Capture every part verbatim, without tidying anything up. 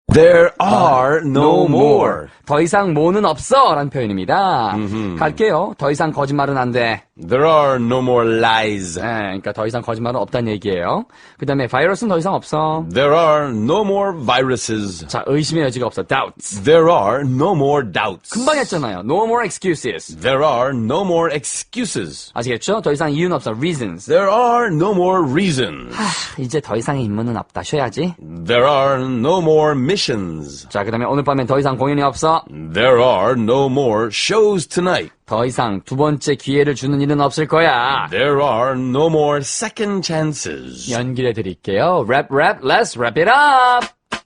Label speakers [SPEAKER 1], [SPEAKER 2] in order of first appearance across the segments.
[SPEAKER 1] There are no more.
[SPEAKER 2] 더 이상 뭐는 없어 라는 표현입니다. 갈게요. 더 이상 거짓말은 안 돼.
[SPEAKER 1] There are no more lies.
[SPEAKER 2] 네, 그러니까 더 이상 거짓말은 없다는 얘기예요. 그 다음에 바이러스는 더 이상 없어.
[SPEAKER 1] There are no more viruses.
[SPEAKER 2] 자, 의심의 여지가 없어. doubts.
[SPEAKER 1] There are no more doubts.
[SPEAKER 2] 금방 했잖아요. no more excuses.
[SPEAKER 1] There are no more excuses.
[SPEAKER 2] 아시겠죠? 더 이상 이유는 없어. reasons.
[SPEAKER 1] There are no more reasons.
[SPEAKER 2] 하, 이제 더 이상의 임무는 없다. 쉬어야지.
[SPEAKER 1] There are no more missions.
[SPEAKER 2] 자, 그 다음에 오늘 밤엔 더 이상 공연이 없어.
[SPEAKER 1] There are no more shows tonight.
[SPEAKER 2] 더 이상 두 번째 기회를 주는 일은 없을 거야.
[SPEAKER 1] There are no more second chances.
[SPEAKER 2] 연기해 드릴게요. Rap, rap, let's wrap it up.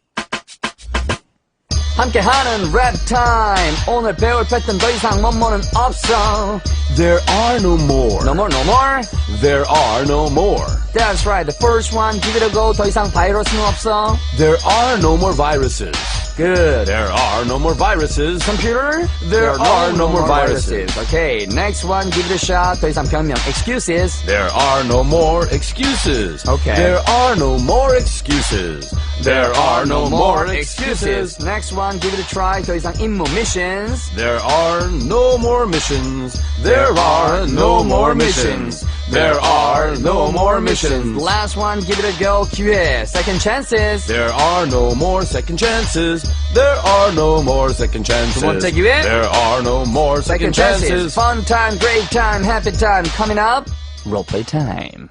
[SPEAKER 2] 함께하는 랩 타임. 오늘 배울 패턴 더 이상 뭐뭐는 없어.
[SPEAKER 1] There are no more.
[SPEAKER 2] No more, no more.
[SPEAKER 1] There are no more.
[SPEAKER 2] That's right. The first one, give it a go. 더 이상 바이러스는 없어.
[SPEAKER 1] There are no more viruses.
[SPEAKER 2] Good.
[SPEAKER 1] There are no more viruses.
[SPEAKER 2] Computer,
[SPEAKER 1] There are no more viruses.
[SPEAKER 2] Okay, next one, give it a shot. 더 이상 변명, excuses.
[SPEAKER 1] There are no more excuses.
[SPEAKER 2] Okay.
[SPEAKER 1] There are no more excuses. There are no more excuses.
[SPEAKER 2] Next one, give it a try. 더 이상 임무, missions.
[SPEAKER 1] There are no more missions. There are no more missions. There are no more missions.
[SPEAKER 2] Last one, give it a go. 기회, second chances.
[SPEAKER 1] There are no more second chances. There are no more second chances.
[SPEAKER 2] 두 번째 기회.
[SPEAKER 1] There are no more second
[SPEAKER 2] Second chances.
[SPEAKER 1] chances.
[SPEAKER 2] Fun time, great time, happy time. Coming up, role play time.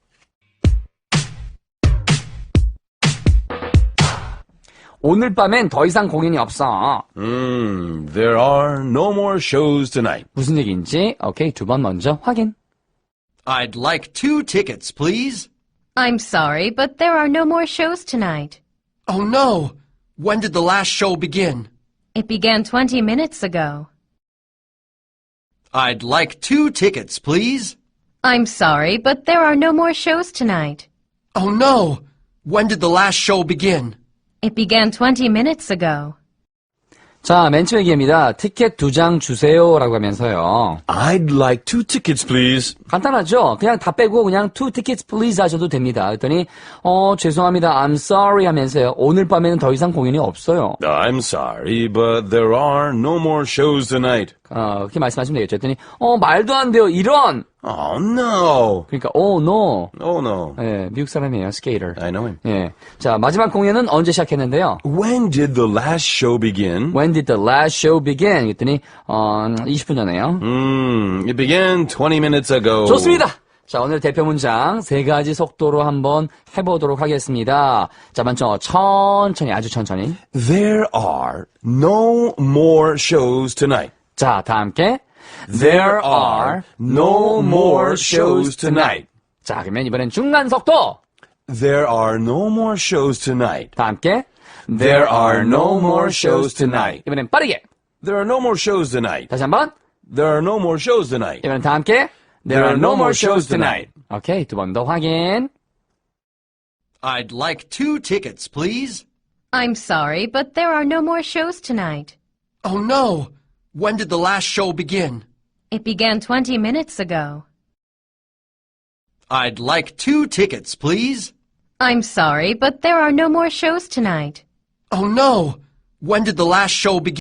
[SPEAKER 2] 오늘 밤엔 더 이상 공연이 없어.
[SPEAKER 1] Hmm, there are no more shows tonight.
[SPEAKER 2] 무슨 얘기인지, 오케이, 두 번 먼저 확인.
[SPEAKER 3] I'd like two tickets, please.
[SPEAKER 4] I'm sorry, but there are no more shows tonight.
[SPEAKER 3] Oh no! When did the last show begin?
[SPEAKER 4] It began twenty minutes ago.
[SPEAKER 3] I'd like two tickets, please.
[SPEAKER 4] I'm sorry, but there are no more shows tonight.
[SPEAKER 3] Oh no! When did the last show begin?
[SPEAKER 4] It began twenty minutes ago.
[SPEAKER 2] 자, 맨 처음 얘기입니다. 티켓 두 장 주세요라고 하면서요.
[SPEAKER 1] I'd like two tickets, please.
[SPEAKER 2] 간단하죠? 그냥 다 빼고 그냥 two tickets please 하셔도 됩니다. 그랬더니 어 죄송합니다. I'm sorry 하면서요. 오늘 밤에는 더 이상 공연이 없어요.
[SPEAKER 1] I'm sorry, but there are no more shows tonight.
[SPEAKER 2] 어, 그렇게 말씀하시면 되겠죠. 그랬더니 어 말도 안 돼요. 이런.
[SPEAKER 1] Oh no.
[SPEAKER 2] 그러니까 oh no.
[SPEAKER 1] Oh no.
[SPEAKER 2] 예, 미국 사람이에요. 스케이터.
[SPEAKER 1] I know him.
[SPEAKER 2] 예. 자, 마지막 공연은 언제 시작했는데요?
[SPEAKER 1] When did the last show begin?
[SPEAKER 2] When did the last show begin? 그랬더니 어 이십 분 전에요.
[SPEAKER 1] Hmm, it began twenty minutes ago.
[SPEAKER 2] 좋습니다. 자, 오늘 대표 문장 세 가지 속도로 한번 해보도록 하겠습니다. 자, 먼저 천천히, 아주 천천히.
[SPEAKER 1] There are no more shows tonight.
[SPEAKER 2] 자, 다 함께. There are no more shows tonight. 자, 그러면 이번엔 중간 속도.
[SPEAKER 1] There are no more shows tonight.
[SPEAKER 2] 다 함께.
[SPEAKER 1] There are no more shows tonight.
[SPEAKER 2] 이번엔 빠르게.
[SPEAKER 1] There are no more shows tonight.
[SPEAKER 2] 다시 한번.
[SPEAKER 1] There are no more shows tonight.
[SPEAKER 2] 이번엔 다 함께. There are no more shows tonight. 오케이, 두 번 더 확인.
[SPEAKER 3] I'd like two tickets, please.
[SPEAKER 4] I'm sorry, but there are no more shows tonight.
[SPEAKER 3] Oh no! When did the last show begin?
[SPEAKER 4] It began twenty minutes ago.
[SPEAKER 3] I'd like two tickets, please.
[SPEAKER 4] I'm sorry, but there are no more shows tonight.
[SPEAKER 3] Oh no! When did the last show begin?